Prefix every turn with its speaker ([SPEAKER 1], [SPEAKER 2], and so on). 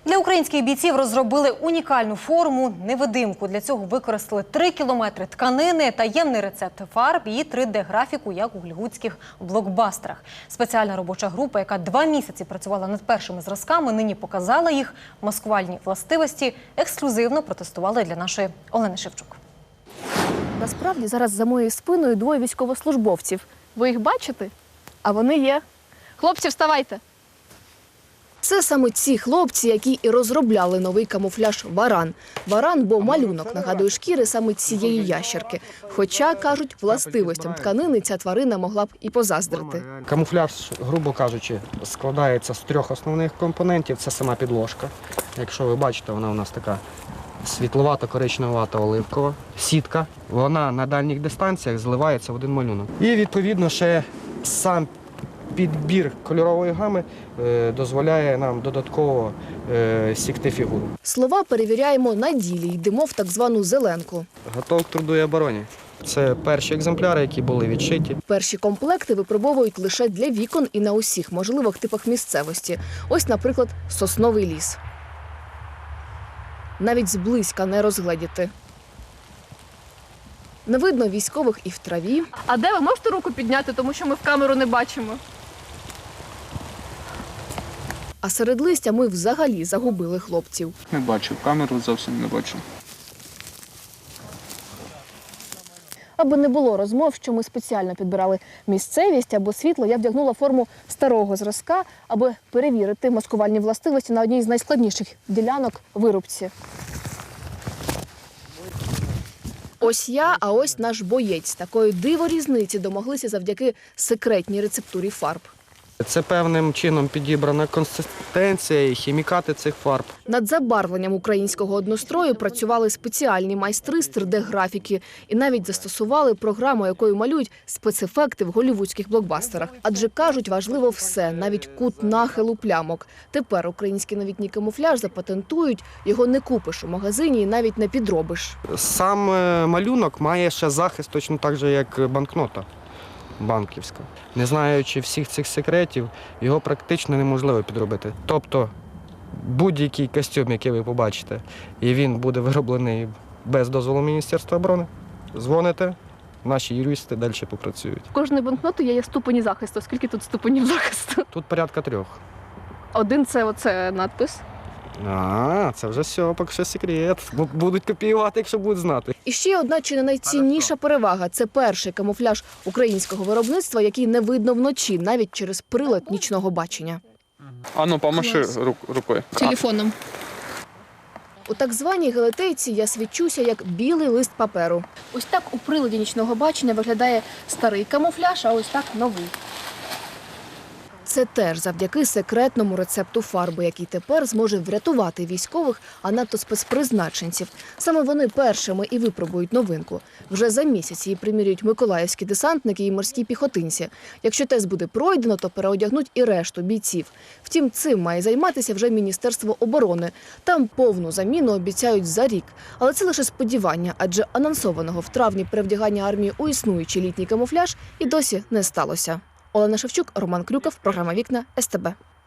[SPEAKER 1] Для українських бійців розробили унікальну форму – невидимку. Для цього використали 3 кілометри тканини, таємний рецепт фарб і 3D-графіку, як у голлівудських блокбастерах. Спеціальна робоча група, яка 2 місяці працювала над першими зразками, нині показала їх маскувальні властивості. Ексклюзивно протестували для нашої Олени Шевчук.
[SPEAKER 2] Насправді зараз за моєю спиною 2 військовослужбовців. Ви їх бачите? А вони є. Хлопці, вставайте! Це саме ці хлопці, які і розробляли новий камуфляж «Варан». «Варан», бо малюнок нагадує шкіри саме цієї ящерки. Хоча, кажуть, властивостям тканини ця тварина могла б і позаздрити.
[SPEAKER 3] Камуфляж, грубо кажучи, складається з 3 основних компонентів. Це сама підложка. Якщо ви бачите, вона у нас така світловато-коричневато-оливкова. Сітка. Вона на дальніх дистанціях зливається в один малюнок. І, відповідно, ще сам підбір кольорової гами дозволяє нам додатково сікти фігуру.
[SPEAKER 2] Слова перевіряємо на ділі, йдемо в так звану зеленку.
[SPEAKER 3] Готов к труду і обороні. Це перші екземпляри, які були відшиті.
[SPEAKER 2] Перші комплекти випробовують лише для вікон і на усіх можливих типах місцевості. Ось, наприклад, сосновий ліс. Навіть зблизька не розгледіти. Не видно військових і в траві. А де ви можете руку підняти, тому що ми в камеру не бачимо? А серед листя ми взагалі загубили хлопців.
[SPEAKER 4] Не бачу, камеру зовсім не бачу.
[SPEAKER 2] Аби не було розмов, що ми спеціально підбирали місцевість або світло, я вдягнула форму старого зразка, аби перевірити маскувальні властивості на одній з найскладніших ділянок – вирубці. Ось я, а ось наш боєць. Такої диворізниці домоглися завдяки секретній рецептурі фарб.
[SPEAKER 3] Це певним чином підібрана консистенція і хімікати цих фарб.
[SPEAKER 2] Над забарвленням українського однострою працювали спеціальні майстри з 3D-графіки і навіть застосували програму, якою малюють спецефекти в голлівудських блокбастерах. Адже, кажуть, важливо все, навіть кут нахилу плямок. Тепер український новітній камуфляж запатентують, його не купиш у магазині і навіть не підробиш.
[SPEAKER 3] Сам малюнок має ще захист точно так же, як банкнота банківська. Не знаючи всіх цих секретів, його практично неможливо підробити. Тобто будь-який костюм, який ви побачите, і він буде вироблений без дозволу Міністерства оборони, дзвоните, наші юристи далі попрацюють.
[SPEAKER 2] У кожної банкноти є ступені захисту. Скільки тут ступенів захисту?
[SPEAKER 3] Тут порядка 3.
[SPEAKER 2] Один – це оце надпис.
[SPEAKER 3] Це вже все, поки що секрет. Будуть копіювати, якщо будуть знати.
[SPEAKER 2] І ще одна чи не найцінніша перевага – це перший камуфляж українського виробництва, який не видно вночі, навіть через прилад нічного бачення.
[SPEAKER 4] Ану, помаши рукою.
[SPEAKER 2] Телефоном. У так званій галатейці я свідчуся як білий лист паперу. Ось так у приладі нічного бачення виглядає старий камуфляж, а ось так новий. Це теж завдяки секретному рецепту фарби, який тепер зможе врятувати військових, а надто спецпризначенців. Саме вони першими і випробують новинку. Вже за місяць її примірюють миколаївські десантники і морські піхотинці. Якщо тест буде пройдено, то переодягнуть і решту бійців. Втім, цим має займатися вже Міністерство оборони. Там повну заміну обіцяють за рік. Але це лише сподівання, адже анонсованого в травні перевдягання армії у існуючий літній камуфляж і досі не сталося. Олена Шевчук, Роман Крюков, програма «Вікна», СТБ.